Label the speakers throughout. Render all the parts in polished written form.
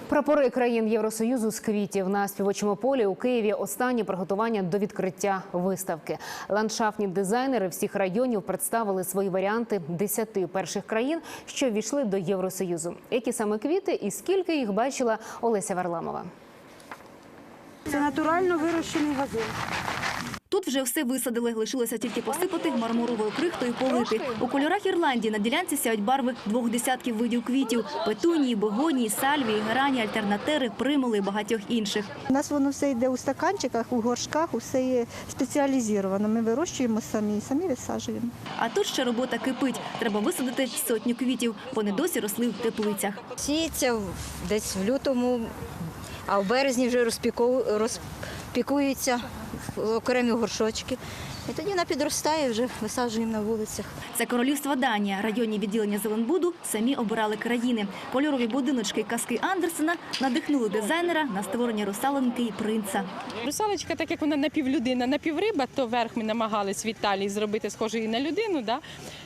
Speaker 1: Прапори країн Євросоюзу з квітів на співочому полі у Києві. Останні приготування до відкриття виставки. Ландшафтні дизайнери всіх районів представили свої варіанти 10 перших країн, що ввійшли до Євросоюзу. Які саме квіти і скільки їх бачила Олеся Варламова.
Speaker 2: Це натурально вирощений газон.
Speaker 3: Тут вже все висадили, лишилося тільки посипати мармуровою крихтою полити. У кольорах Ірландії на ділянці сяють барви 2 десятків видів квітів – петунії, бегонії, сальвії, герані, альтернатери, примули і багатьох інших.
Speaker 2: У нас воно все йде у стаканчиках, у горшках, усе є спеціалізовано. Ми вирощуємо самі висаджуємо.
Speaker 3: А тут ще робота кипить. Треба висадити 100 квітів. Вони досі росли в теплицях.
Speaker 4: Сіється десь в лютому, а в березні вже розпікуються в окремі горшочки. І тоді вона підростає, вже висаджуємо на вулицях.
Speaker 3: Це королівство Данія. Районні відділення Зеленбуду самі обирали країни. Кольорові будиночки і казки Андерсена надихнули дизайнера на створення русалоньки і принца.
Speaker 5: Русалочка, так як вона напівлюдина, напівриба, то верх ми намагались в Італії зробити схожий на людину, да?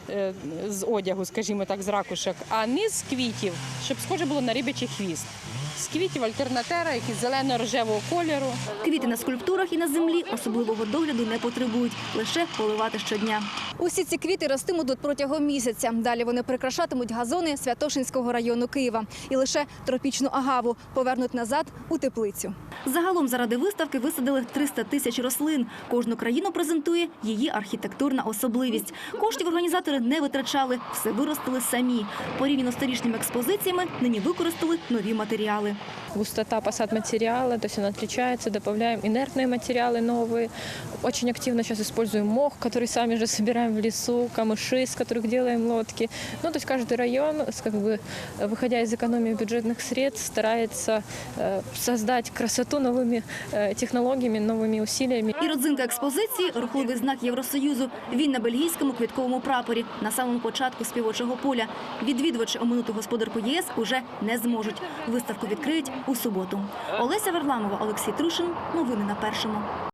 Speaker 5: З одягу, скажімо так, з ракушок, а низ з квітів, щоб схоже було на рибячий хвіст. З квітів альтернатера, які зелено-рожевого кольору.
Speaker 3: Квіти на скульптурах і на землі особливого догляду не потребують, лише поливати щодня.
Speaker 6: Усі ці квіти ростимуть протягом місяця. Далі вони прикрашатимуть газони Святошинського району Києва. І лише тропічну агаву повернуть назад у теплицю.
Speaker 3: Загалом заради виставки висадили 300 тисяч рослин. Кожну країну презентує її архітектурна особливість. Коштів організатори не витрачали, все виростили самі. Порівняно з торішніми експозиціями нині використали нові матеріали.
Speaker 7: Густота посадматериала, то есть он отличается, добавляем инертные материалы новые. Очень активно сейчас используем мох, который сами же собираем в лесу, камыши, из которых делаем лодки. Ну, то есть каждый район, как бы, выходя из экономии бюджетных средств, старается создать красоту новыми технологиями, новыми усилиями.
Speaker 3: І родзинка експозиції – рухливий знак Євросоюзу. Він на бельгійському квітковому прапорі, на самому початку співочого поля. Відвідувачі оминути господарку ЄС уже не зможуть. Виставку відкриють у суботу. Олеся Варламова, Олексій Трушин. Новини на Першому.